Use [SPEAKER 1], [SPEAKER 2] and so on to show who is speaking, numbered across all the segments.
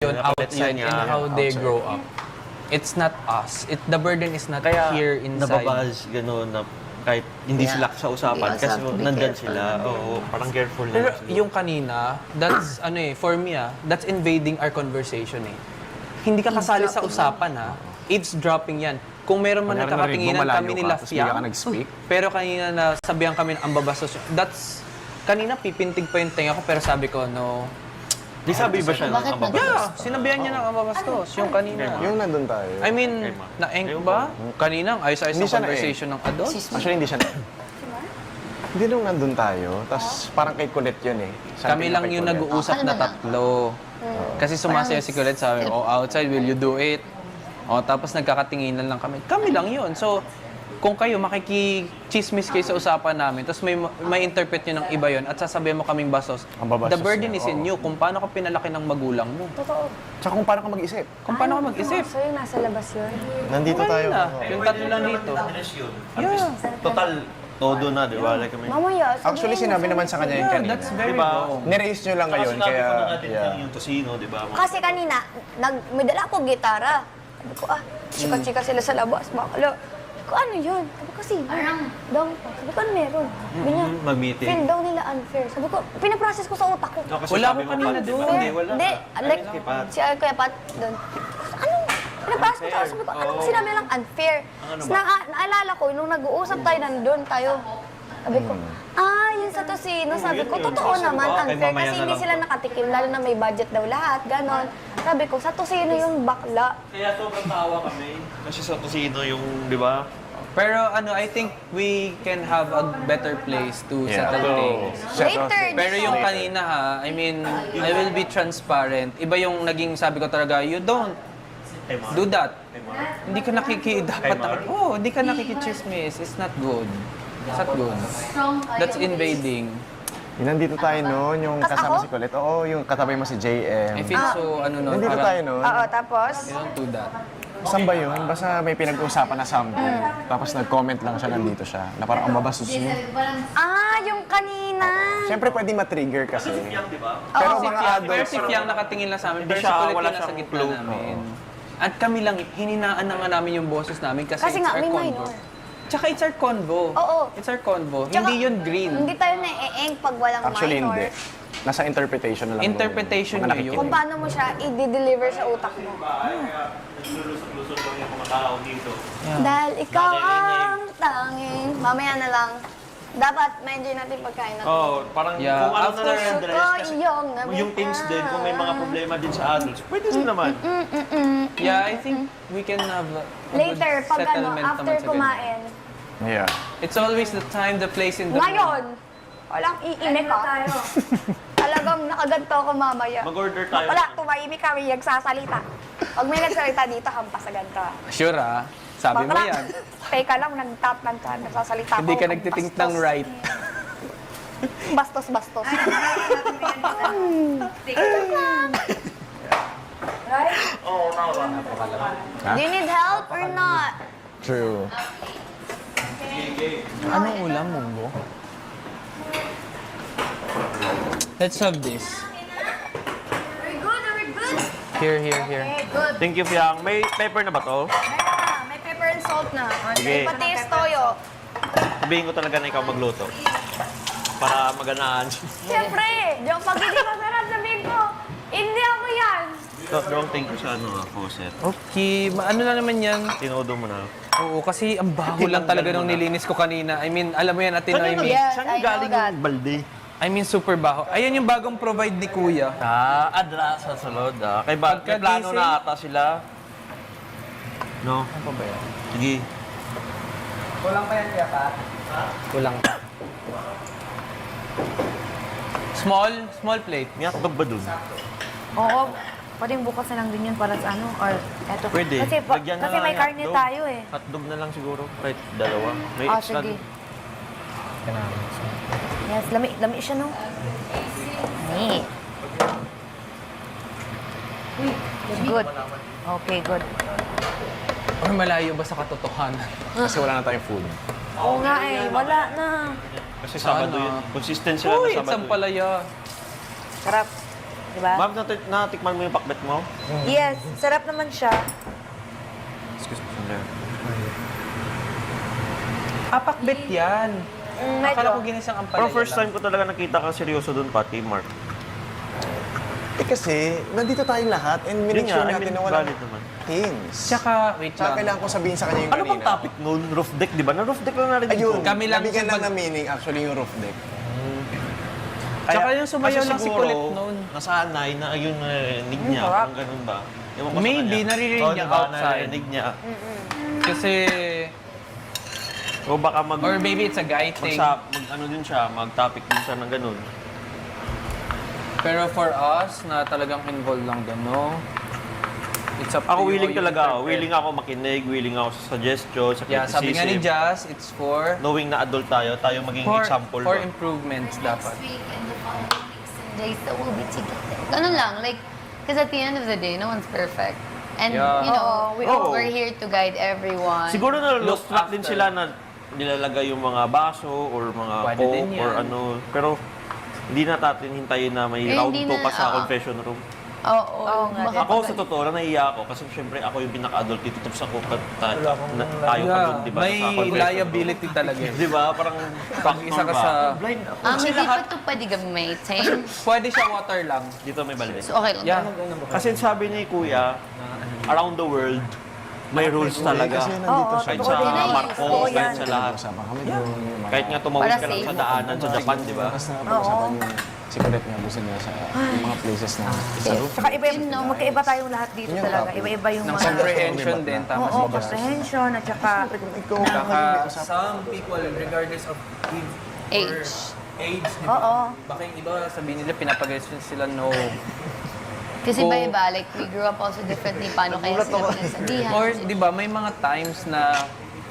[SPEAKER 1] yun outside and how they grow up. It's not us. The burden is not
[SPEAKER 2] Kaya
[SPEAKER 1] here inside.
[SPEAKER 2] nababuzz, gano'n, na kahit hindi sila sa usapan,
[SPEAKER 3] You also
[SPEAKER 2] kasi
[SPEAKER 3] have to be
[SPEAKER 2] nandyan
[SPEAKER 3] careful.
[SPEAKER 2] sila. Oo, parang careful na
[SPEAKER 1] Pero
[SPEAKER 2] lang sila.
[SPEAKER 1] yung kanina, that's for me that's invading our conversation eh. Hindi ka kasali sa usapan Eavesdropping yan. Kung meron man
[SPEAKER 4] Kunyari
[SPEAKER 1] nagkakatinginan
[SPEAKER 4] narinig mo,
[SPEAKER 1] kami
[SPEAKER 4] malayo
[SPEAKER 1] nila
[SPEAKER 4] ka, tapos bigla ka nag-speak.
[SPEAKER 1] pero kanina na sabihan kami ng ambabastos. Kanina pipintig pa yung tenga ko pero sabi ko no.
[SPEAKER 2] Di sabi ba siya ng
[SPEAKER 3] Bakit
[SPEAKER 2] ambabastos?
[SPEAKER 1] Yeah, sinabihan niya ng ambabastos yung kanina.
[SPEAKER 4] Yung nandun tayo.
[SPEAKER 1] I mean, na-enk ba? Kanina, ayos-ayos
[SPEAKER 4] Hindi
[SPEAKER 1] ang
[SPEAKER 4] siya
[SPEAKER 1] conversation ng adult.
[SPEAKER 4] Actually, hindi siya na. Hindi nung nandun tayo, tapos parang kay Colette yun eh. Sabi
[SPEAKER 1] Kami
[SPEAKER 4] niya
[SPEAKER 1] lang
[SPEAKER 4] kay
[SPEAKER 1] yung
[SPEAKER 4] Colette.
[SPEAKER 1] nag-uusap na tatlo. Kasi sumasaya si Colette, sabi, outside, will you do it? Tapos nagkakatinginan lang kami. Kami lang yun. So, kung kayo makikichismis kayo sa usapan namin, tapos may interpret nyo ng iba yun, at sasabihin mo kaming bastos,
[SPEAKER 4] Ang babastos
[SPEAKER 1] the burden
[SPEAKER 4] niya,
[SPEAKER 1] is in you. Kung paano ka pinalaki ng magulang mo.
[SPEAKER 5] Totoo.
[SPEAKER 4] Tsaka kung paano ka mag-isip.
[SPEAKER 1] Kung paano ka mag-isip.
[SPEAKER 5] So yung nasa labas yun.
[SPEAKER 4] Nandito tayo.
[SPEAKER 1] Na, yung tatlo lang dito.
[SPEAKER 2] Yeah. Total, todo na, di ba? Like,
[SPEAKER 5] Mamaya, sabihin
[SPEAKER 4] Actually,
[SPEAKER 5] mo,
[SPEAKER 4] sinabi
[SPEAKER 5] sabihin
[SPEAKER 4] naman
[SPEAKER 5] mo.
[SPEAKER 4] sa kanya yun
[SPEAKER 1] Yeah,
[SPEAKER 4] kanina.
[SPEAKER 1] that's very
[SPEAKER 2] Diba?
[SPEAKER 1] wrong.
[SPEAKER 4] Niraise nyo lang ngayon,
[SPEAKER 2] Sinabi
[SPEAKER 4] kaya...
[SPEAKER 2] ko na natin
[SPEAKER 4] yeah.
[SPEAKER 2] yung tosino, di ba?
[SPEAKER 5] Kasi kanina, may dala akong gitara. Sabi ko, chika-chika sila sa labas. Bakala. Sabi ko, ano yun? Sabi ko, sino? Dong. Sabi ko, ano meron? Sabi niya,
[SPEAKER 2] Mag-meeting.
[SPEAKER 5] feel daw nila unfair. Sabi ko, pinaprocess ko sa utak ko.
[SPEAKER 2] No, kasi
[SPEAKER 1] Wala
[SPEAKER 2] sabi
[SPEAKER 1] ko
[SPEAKER 2] mo,
[SPEAKER 1] kanina
[SPEAKER 2] Pat,
[SPEAKER 1] doon.
[SPEAKER 2] Hindi, wala.
[SPEAKER 5] Hindi, like,
[SPEAKER 2] Kay Pat.
[SPEAKER 5] si Kuya Pat doon. Ano? Pinaprocess ko sa sabi ko, anong sinabi lang unfair?
[SPEAKER 2] Ano
[SPEAKER 5] Tapos
[SPEAKER 2] ba?
[SPEAKER 5] naalala ko, nung nag-uusap tayo nandun tayo, sabi ko, yun sa tosino. Sabi ko,
[SPEAKER 2] yun.
[SPEAKER 5] totoo
[SPEAKER 2] Kasi
[SPEAKER 5] naman,
[SPEAKER 2] baka kay
[SPEAKER 5] unfair.
[SPEAKER 2] mamaya
[SPEAKER 5] Kasi
[SPEAKER 2] na
[SPEAKER 5] hindi
[SPEAKER 2] lang
[SPEAKER 5] sila
[SPEAKER 2] to.
[SPEAKER 5] nakatikim, lalo na may budget daw lahat, ganon. Sabi ko, sa tosino yung bakla.
[SPEAKER 2] Kaya sobrang tawa kami. Kasi sa tosino yung, di ba?
[SPEAKER 1] Pero I think we can have a better place to settle things.
[SPEAKER 5] Later,
[SPEAKER 1] Pero yung kanina I mean, I will be transparent. Iba yung naging sabi ko talaga, you don't do that. Hindi ka hindi ka nakikichismis. It's not good. It's not good. That's invading.
[SPEAKER 4] Yung nandito tayo noon, yung kasama
[SPEAKER 5] ako?
[SPEAKER 4] si Colette. Oo, yung katabi mo si JM.
[SPEAKER 1] I feel so,
[SPEAKER 4] Nandito tayo noon.
[SPEAKER 5] Oo, tapos,
[SPEAKER 1] you don't do that.
[SPEAKER 4] Saan ba yun? Basta may pinag-uusapan na something. Tapos nag-comment lang siya, nandito siya. Na parang ang babastos mo.
[SPEAKER 5] yung kanina.
[SPEAKER 4] Siyempre pwede ma-trigger kasi.
[SPEAKER 2] Di ba?
[SPEAKER 4] Pero
[SPEAKER 1] Si
[SPEAKER 4] mga
[SPEAKER 1] Fiang,
[SPEAKER 4] adults,
[SPEAKER 1] pero si Fiang nakatingin lang sa amin.
[SPEAKER 2] Hindi
[SPEAKER 1] Pero si
[SPEAKER 2] siya,
[SPEAKER 1] Colette
[SPEAKER 2] wala
[SPEAKER 1] yung nasa
[SPEAKER 2] siyang
[SPEAKER 1] gitna
[SPEAKER 2] clue.
[SPEAKER 1] namin. At kami lang, hininaan na nga namin yung boses namin kasi
[SPEAKER 5] Kasi
[SPEAKER 1] it's
[SPEAKER 5] nga,
[SPEAKER 1] our
[SPEAKER 5] may
[SPEAKER 1] convo.
[SPEAKER 5] minor.
[SPEAKER 1] Tsaka it's our convo.
[SPEAKER 5] Oo.
[SPEAKER 1] It's our convo.
[SPEAKER 5] Tsaka,
[SPEAKER 1] Hindi yun green.
[SPEAKER 5] Hindi tayo na-eeng pag walang
[SPEAKER 4] actually
[SPEAKER 5] minor.
[SPEAKER 4] hindi. Nasa interpretation na lang.
[SPEAKER 1] Interpretation
[SPEAKER 4] mga
[SPEAKER 1] nyo
[SPEAKER 4] nakikinig.
[SPEAKER 1] yun.
[SPEAKER 5] Kung paano mo siya i-deliver sa utak mo.
[SPEAKER 2] Naglulusot-lusot lang yung mga tao dito.
[SPEAKER 5] Dahil ikaw ang tanging. Mamaya na lang. Dapat ma-enjoy natin pagkain natin.
[SPEAKER 2] Oh, parang
[SPEAKER 1] Yeah,
[SPEAKER 2] kung ano
[SPEAKER 1] after-
[SPEAKER 2] na lang yung dress.
[SPEAKER 5] Gusto
[SPEAKER 2] Kasi
[SPEAKER 5] ko iyong
[SPEAKER 2] yung things din, kung may mga problema din sa adults, pwede din naman.
[SPEAKER 1] Yeah, I think we can have a
[SPEAKER 5] Later,
[SPEAKER 1] good
[SPEAKER 5] pag
[SPEAKER 1] settlement
[SPEAKER 5] after
[SPEAKER 1] naman sa ganun.
[SPEAKER 5] kumain.
[SPEAKER 4] Yeah.
[SPEAKER 1] It's always the time, the place, in the
[SPEAKER 5] Ngayon, walang iimik ka. Talagang nakaganto ako mamaya.
[SPEAKER 2] Mag-order tayo.
[SPEAKER 5] Wala, tumahimik kami, nagsasalita. Pag may nagsalita dito, hampas sa ganito.
[SPEAKER 1] Sure sabi mo
[SPEAKER 5] Bakla.
[SPEAKER 1] yan.
[SPEAKER 5] Teka lang, nag-tap ng nagsasalita
[SPEAKER 1] Hindi
[SPEAKER 5] ako,
[SPEAKER 1] ka nagtithink ng right.
[SPEAKER 5] Bastos, bastos. Do you need help or not?
[SPEAKER 4] True.
[SPEAKER 1] Anong ulam, Munggo? Let's have this.
[SPEAKER 5] We're good, we're good.
[SPEAKER 1] Here.
[SPEAKER 5] Okay, good.
[SPEAKER 2] Thank you, Fiang. May pepper na ba to?
[SPEAKER 5] May pepper and salt na.
[SPEAKER 2] Sige.
[SPEAKER 5] Pati yung toyo.
[SPEAKER 2] Sabihin ko talaga na ikaw magluto. Para maganaan.
[SPEAKER 5] Siyempre, yung pag hindi masarap, sabihin ko, hindi ako yan.
[SPEAKER 2] Don't thank you sa faucet.
[SPEAKER 1] Okay, ano na naman yan?
[SPEAKER 2] Tinodo mo na.
[SPEAKER 1] Oo, kasi ang baho lang talaga nung nilinis ko kanina. I mean, alam mo yan, Ate Noemi.
[SPEAKER 5] Yes,
[SPEAKER 2] Saan
[SPEAKER 5] I know
[SPEAKER 2] galing
[SPEAKER 5] that.
[SPEAKER 2] yung balde?
[SPEAKER 1] I mean, super baho. Ayan yung bagong provide ni Kuya.
[SPEAKER 2] Adra sa salod. Kay may plano
[SPEAKER 1] Pagkagising-
[SPEAKER 2] na ata sila. No?
[SPEAKER 1] Ano pa ba yan?
[SPEAKER 2] Sige.
[SPEAKER 1] Kulang pa yan, Kuya Pat? Kulang pa. Small plate.
[SPEAKER 2] May hotdog ba dun?
[SPEAKER 3] Oo. Pwedeng bukas na lang din yun para sa ano, or eto.
[SPEAKER 2] Pwede.
[SPEAKER 3] Kasi,
[SPEAKER 2] Lagyan na
[SPEAKER 3] kasi
[SPEAKER 2] lang
[SPEAKER 3] may
[SPEAKER 2] yung
[SPEAKER 3] karne
[SPEAKER 2] hotdog.
[SPEAKER 3] tayo eh.
[SPEAKER 2] Hotdog na lang siguro. Right, dalawa. May extra
[SPEAKER 3] Sige.
[SPEAKER 2] dun.
[SPEAKER 3] Yes, lami siya no? Ni. Good. Okay, good.
[SPEAKER 1] Or malayo ba sa katotohanan?
[SPEAKER 4] Kasi wala na tayong food.
[SPEAKER 3] Oo nga eh, wala na.
[SPEAKER 2] Kasi Sabado
[SPEAKER 1] Sana.
[SPEAKER 2] yun. Consistent sila
[SPEAKER 1] Uy,
[SPEAKER 2] na
[SPEAKER 1] it's
[SPEAKER 2] Sabado.
[SPEAKER 1] ang palaya.
[SPEAKER 3] Sarap. di ba?
[SPEAKER 2] Ma'am, natikman mo yung pakbet mo?
[SPEAKER 3] Yes, sarap naman siya.
[SPEAKER 2] Excuse me, sandali.
[SPEAKER 1] Papakbet yan.
[SPEAKER 3] Medyo.
[SPEAKER 1] Akala ko ginisang ang
[SPEAKER 2] Pero
[SPEAKER 1] palaya
[SPEAKER 2] first
[SPEAKER 1] lang.
[SPEAKER 2] time ko talaga nakita kang seryoso doon, pati, Mark.
[SPEAKER 4] Eh kasi, nandito tayong lahat and
[SPEAKER 2] Yun
[SPEAKER 4] minake
[SPEAKER 2] nga,
[SPEAKER 4] sure
[SPEAKER 2] I
[SPEAKER 4] natin
[SPEAKER 2] mean,
[SPEAKER 4] na walang
[SPEAKER 2] valid naman.
[SPEAKER 4] hints.
[SPEAKER 1] Tsaka, wait
[SPEAKER 4] Tsaka
[SPEAKER 1] lang.
[SPEAKER 4] kailangan ko sabihin sa kanya yung
[SPEAKER 2] Ano
[SPEAKER 4] kanina.
[SPEAKER 2] bang topic noon? Roof deck, di ba? Na roof deck lang narinig
[SPEAKER 4] Ayun,
[SPEAKER 2] ko.
[SPEAKER 1] Kami lang
[SPEAKER 4] nabigyan lang
[SPEAKER 1] sa
[SPEAKER 4] ng meaning actually yung roof deck.
[SPEAKER 1] Tsaka yung sumayaw
[SPEAKER 2] kasi
[SPEAKER 1] lang si
[SPEAKER 2] siguro,
[SPEAKER 1] Colette noon.
[SPEAKER 2] nasanay na ayun narinig niya,
[SPEAKER 3] sarap.
[SPEAKER 2] kung ganun ba. Ewan ko sa
[SPEAKER 1] Maybe,
[SPEAKER 2] kanya.
[SPEAKER 1] naririnig
[SPEAKER 2] Oo,
[SPEAKER 1] niya
[SPEAKER 2] diba,
[SPEAKER 1] outside.
[SPEAKER 2] Narinig niya.
[SPEAKER 1] Kasi,
[SPEAKER 2] O baka
[SPEAKER 1] or maybe it's a guy thing.
[SPEAKER 2] ano din siya, mag-topic din siya ng ganun.
[SPEAKER 1] Pero for us, na talagang involved lang doon, no? It's up to
[SPEAKER 2] Ako
[SPEAKER 1] you
[SPEAKER 2] willing
[SPEAKER 1] how you
[SPEAKER 2] talaga ako.
[SPEAKER 1] interpret.
[SPEAKER 2] Willing ako makinig, willing ako sa suggestion, sa
[SPEAKER 1] Yeah, sabi nga ni
[SPEAKER 2] criticism.
[SPEAKER 1] Jazz, it's for
[SPEAKER 2] Knowing na adult tayo maging
[SPEAKER 1] for,
[SPEAKER 2] example.
[SPEAKER 1] for
[SPEAKER 2] ba?
[SPEAKER 1] improvements dapat.
[SPEAKER 5] Next week and the following weeks and days that we'll be together. Ganun lang, like, because at the end of the day, no one's perfect. And,
[SPEAKER 1] Yeah.
[SPEAKER 5] you know,
[SPEAKER 2] Oo.
[SPEAKER 5] we're here to guide everyone.
[SPEAKER 2] Siguro na lost
[SPEAKER 1] Look
[SPEAKER 2] track din
[SPEAKER 1] after.
[SPEAKER 2] sila na nilalagay yung mga baso or mga
[SPEAKER 1] Pwede din
[SPEAKER 2] coke or
[SPEAKER 1] yan.
[SPEAKER 2] ano. Pero hindi na natin hintayin na may
[SPEAKER 5] Eh,
[SPEAKER 2] round
[SPEAKER 5] hindi
[SPEAKER 2] 2 pa
[SPEAKER 5] na,
[SPEAKER 2] sa
[SPEAKER 5] oo.
[SPEAKER 2] confession room.
[SPEAKER 5] Oo,
[SPEAKER 3] nga
[SPEAKER 5] baka
[SPEAKER 2] Ako sa totoo lang nahiya ako kasi syempre ako yung pinaka-adult dito tapos ako tayo pa
[SPEAKER 1] Yeah,
[SPEAKER 2] doon, di ba?
[SPEAKER 1] may
[SPEAKER 2] sa confession
[SPEAKER 1] liability talaga.
[SPEAKER 2] room. Di ba? Parang
[SPEAKER 1] Pag isa ka sa...
[SPEAKER 2] blind ako.
[SPEAKER 5] hindi pa ito pwede gamitin.
[SPEAKER 1] Pwede siya water lang.
[SPEAKER 2] Dito may balde.
[SPEAKER 5] So, okay lang.
[SPEAKER 1] Yeah.
[SPEAKER 2] Kasi sabi ni Kuya, around the world, may rules talaga.
[SPEAKER 4] Kasi nandito siya.
[SPEAKER 2] Kahit
[SPEAKER 3] Oo,
[SPEAKER 2] sa
[SPEAKER 3] totoo yan.
[SPEAKER 2] Marcos,
[SPEAKER 3] Totoo
[SPEAKER 2] kahit
[SPEAKER 3] yan.
[SPEAKER 2] sa lahat.
[SPEAKER 4] Usapan kami doon.
[SPEAKER 2] Kahit nga tumawid
[SPEAKER 5] Para
[SPEAKER 2] ka lang
[SPEAKER 5] safe.
[SPEAKER 2] sa daanan sa Japan, di ba?
[SPEAKER 4] Tapos napag-usapan yung si Colette nga gusto niya sa yung mga places na sa roof.
[SPEAKER 3] Tsaka iba, magkaiba tayong lahat dito
[SPEAKER 4] Yun yung
[SPEAKER 3] talaga.
[SPEAKER 4] topic.
[SPEAKER 3] Iba-iba yung
[SPEAKER 1] Ng
[SPEAKER 3] mga...
[SPEAKER 1] comprehension din, tama
[SPEAKER 3] Oo,
[SPEAKER 1] si Jazz.
[SPEAKER 3] comprehension at saka...
[SPEAKER 4] Ikaw,
[SPEAKER 1] Saka, some people, regardless of
[SPEAKER 5] Age.
[SPEAKER 1] age, di
[SPEAKER 3] Oo.
[SPEAKER 1] Baka yung iba sabihin nila, pinapag-question sila, no.
[SPEAKER 5] Kasi
[SPEAKER 1] Oo.
[SPEAKER 5] iba-iba, like, we grew up also differently. Paano kaya sila pinagsabihan?
[SPEAKER 1] Or, di ba, may mga times na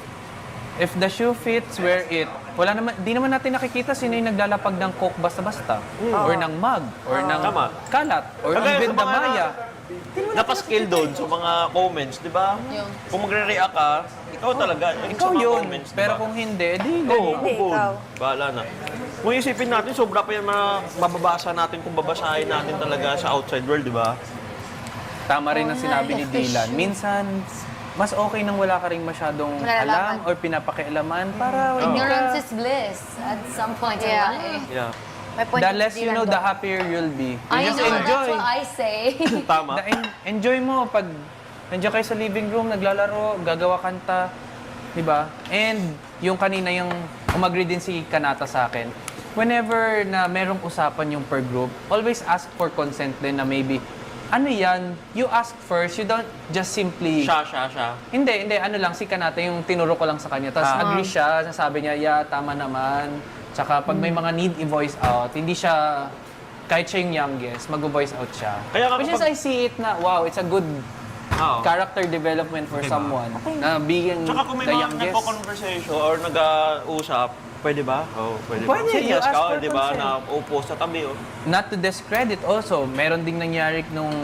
[SPEAKER 1] if the shoe fits, wear it. Wala naman, di naman natin nakikita sino yung naglalapag ng coke basta-basta. Or ng mug, or ng
[SPEAKER 2] Tama.
[SPEAKER 1] kalat, or
[SPEAKER 2] Kagaya
[SPEAKER 1] even
[SPEAKER 2] sa mga
[SPEAKER 1] damaya.
[SPEAKER 2] Napaskill doon sa mga comments, di ba?
[SPEAKER 5] Yung-
[SPEAKER 2] Kung magre-react ka, ikaw talaga. Yung
[SPEAKER 1] Ikaw
[SPEAKER 2] sa mga
[SPEAKER 1] yun.
[SPEAKER 2] comments, di
[SPEAKER 1] Pero
[SPEAKER 2] ba?
[SPEAKER 1] kung hindi, di
[SPEAKER 2] Oo,
[SPEAKER 1] ganun.
[SPEAKER 3] Hindi,
[SPEAKER 2] good.
[SPEAKER 3] ikaw.
[SPEAKER 2] Bahala na. Kung isipin natin, sobra pa yan mababasa natin kung babasahin natin talaga sa outside world, di ba?
[SPEAKER 1] Tama rin ang sinabi ni Dylan. Minsan, mas okay nang wala ka rin masyadong
[SPEAKER 5] Malalaman.
[SPEAKER 1] alam or pinapakialaman para
[SPEAKER 5] Ignorance is bliss at some point in
[SPEAKER 3] Yeah.
[SPEAKER 5] life.
[SPEAKER 2] Yeah.
[SPEAKER 3] May point
[SPEAKER 1] the
[SPEAKER 3] ni
[SPEAKER 1] less you
[SPEAKER 3] Dylan
[SPEAKER 1] know,
[SPEAKER 3] doon.
[SPEAKER 1] the happier you'll be. You
[SPEAKER 5] I
[SPEAKER 1] just
[SPEAKER 5] know,
[SPEAKER 1] enjoy.
[SPEAKER 5] that's what I say.
[SPEAKER 2] Tama.
[SPEAKER 1] Enjoy mo pag nandiyan kayo sa living room, naglalaro, gagawa kanta, di ba? And yung kanina yung umagri din si Kanata sa akin, whenever na merong usapan yung per group, always ask for consent din na maybe, ano yan, you ask first, you don't just simply...
[SPEAKER 2] Siya.
[SPEAKER 1] Hindi, ano lang, si Kanata yung tinuro ko lang sa kanya. Tapos agree siya, sasabi niya, yeah, tama naman. Tsaka pag may mga need i-voice out, hindi siya, kahit siya yung youngest, mag-voice out siya.
[SPEAKER 2] Kaya nga
[SPEAKER 1] Which is,
[SPEAKER 2] kapag-
[SPEAKER 1] I see it na, wow, it's a good
[SPEAKER 2] Oo.
[SPEAKER 1] character development for someone na being
[SPEAKER 2] Tsaka kung may
[SPEAKER 1] the
[SPEAKER 2] mga
[SPEAKER 1] youngest.
[SPEAKER 2] nagko-conversation or nag-uusap, pwede ba? Oo, pwede ba?
[SPEAKER 1] Pwede, you
[SPEAKER 2] Serious
[SPEAKER 1] ask
[SPEAKER 2] ka,
[SPEAKER 1] for
[SPEAKER 2] di ba?
[SPEAKER 1] consent.
[SPEAKER 2] Na upo sa tabi, oh.
[SPEAKER 1] Not to discredit also, meron ding nangyari nung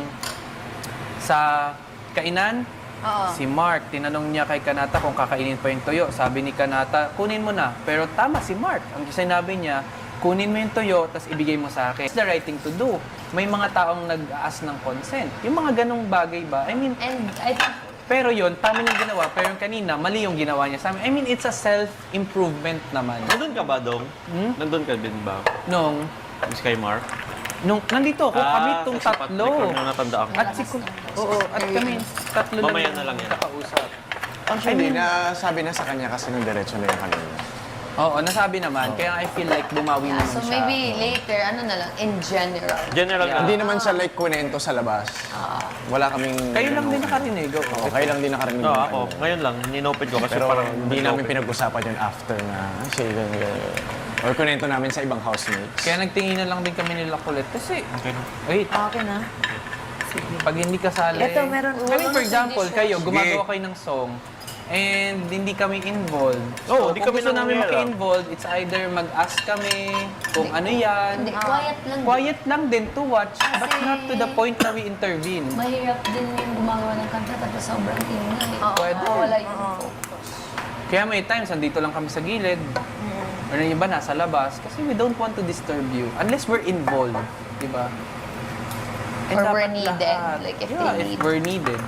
[SPEAKER 1] sa kainan, si Mark, tinanong niya kay Kanata kung kakainin pa yung toyo. Sabi ni Kanata, kunin mo na. Pero tama si Mark. Ang sinabi niya, kunin mo yung toyo, tapos ibigay mo sa akin. It's the right thing to do. May mga taong nag-aas ng consent. Yung mga ganong bagay ba? I mean,
[SPEAKER 5] And I think
[SPEAKER 1] pero yun, tama yung ginawa. Pero yung kanina, mali yung ginawa niya sa amin. I mean, it's a self-improvement naman.
[SPEAKER 2] Nandun ka ba, Dong? Nandun ka din ba?
[SPEAKER 1] Nung,
[SPEAKER 2] Miss kay Mark?
[SPEAKER 1] nandito ako, kami itong
[SPEAKER 2] kasi
[SPEAKER 1] tatlo.
[SPEAKER 2] record na natandaan ko.
[SPEAKER 1] At at kami tatlo
[SPEAKER 2] Mamaya
[SPEAKER 1] lang
[SPEAKER 2] na lang yan.
[SPEAKER 1] nakausap.
[SPEAKER 4] Actually, nasabi na sa kanya kasi nung diretso na yung kanina.
[SPEAKER 1] Oo, nasabi naman. Kaya I feel like bumawi naman
[SPEAKER 5] so
[SPEAKER 1] siya.
[SPEAKER 5] maybe later, ano na lang, in general.
[SPEAKER 2] General
[SPEAKER 1] Yeah.
[SPEAKER 2] na.
[SPEAKER 4] Hindi naman siya like kunento sa labas. Wala kaming...
[SPEAKER 1] Kayo lang din nakarinig.
[SPEAKER 4] Oo, kayo lang din nakarinig.
[SPEAKER 2] No,
[SPEAKER 4] ng
[SPEAKER 2] ako.
[SPEAKER 4] ano.
[SPEAKER 2] Ngayon lang, ninopid ko kasi
[SPEAKER 4] Pero
[SPEAKER 2] parang
[SPEAKER 4] hindi namin pinag-usapan yun after na siya or kunento namin sa ibang housemates.
[SPEAKER 1] Kaya nagtingin na lang din kami nila kulit. Kasi,
[SPEAKER 2] Okay.
[SPEAKER 1] wait,
[SPEAKER 3] Okay na.
[SPEAKER 1] pag hindi kasali...
[SPEAKER 3] Ito, meron-
[SPEAKER 1] I mean, for example, kayo,
[SPEAKER 4] Sige.
[SPEAKER 1] gumagawa kayo ng song, and hindi kami involved.
[SPEAKER 2] Oo,
[SPEAKER 1] So,
[SPEAKER 2] hindi
[SPEAKER 1] kung
[SPEAKER 2] kami
[SPEAKER 1] gusto namin
[SPEAKER 2] nangyayari.
[SPEAKER 1] maki-involved, it's either mag-ask kami kung ano yan.
[SPEAKER 5] Hindi, quiet lang.
[SPEAKER 1] Quiet lang din to watch, but
[SPEAKER 5] Kasi-
[SPEAKER 1] not to the point na we intervene.
[SPEAKER 5] Mahirap din yung gumagawa ng kanta tapos sobrang ingay.
[SPEAKER 1] Pwede.
[SPEAKER 5] Wala yung focus.
[SPEAKER 1] Kaya may times, andito lang kami sa gilid. Or yung iba nasa labas. Kasi we don't want to disturb you. Unless we're involved. Di ba?
[SPEAKER 3] Or
[SPEAKER 1] dapat
[SPEAKER 3] we're needed,
[SPEAKER 1] lahat.
[SPEAKER 3] like if
[SPEAKER 1] yeah,
[SPEAKER 3] they
[SPEAKER 1] if
[SPEAKER 3] need.
[SPEAKER 1] we're needed.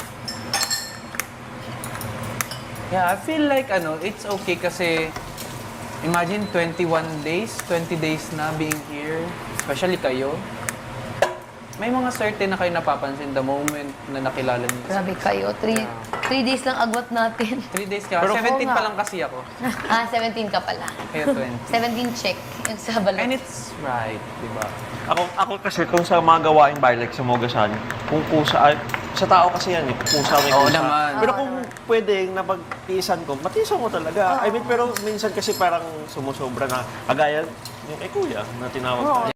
[SPEAKER 1] Yeah, I feel like it's okay kasi imagine 21 days, 20 days na being here, especially kayo. May mga certain na kayo napapansin the moment na nakilala niyo.
[SPEAKER 3] Grabe kayo. 3 days lang agwat natin.
[SPEAKER 1] 3 days ka.
[SPEAKER 2] Pero
[SPEAKER 1] 17
[SPEAKER 3] oo
[SPEAKER 1] pa
[SPEAKER 3] nga.
[SPEAKER 1] lang kasi ako.
[SPEAKER 3] 17 ka pala.
[SPEAKER 1] Kaya 20.
[SPEAKER 3] 17 check. Yung sa balot.
[SPEAKER 1] And it's right, di ba?
[SPEAKER 2] Ako kasi kung sa mga gawaing bahay, like sa Mogasan, kung kusa, sa tao kasi yan eh, kusa may
[SPEAKER 1] Oo
[SPEAKER 2] kusa.
[SPEAKER 1] naman.
[SPEAKER 2] Pero kung pwedeng napagtiisan ko, matiisan ko talaga. I mean, pero minsan kasi parang sumusobra na, kagaya yung kay Kuya na tinawag tayo.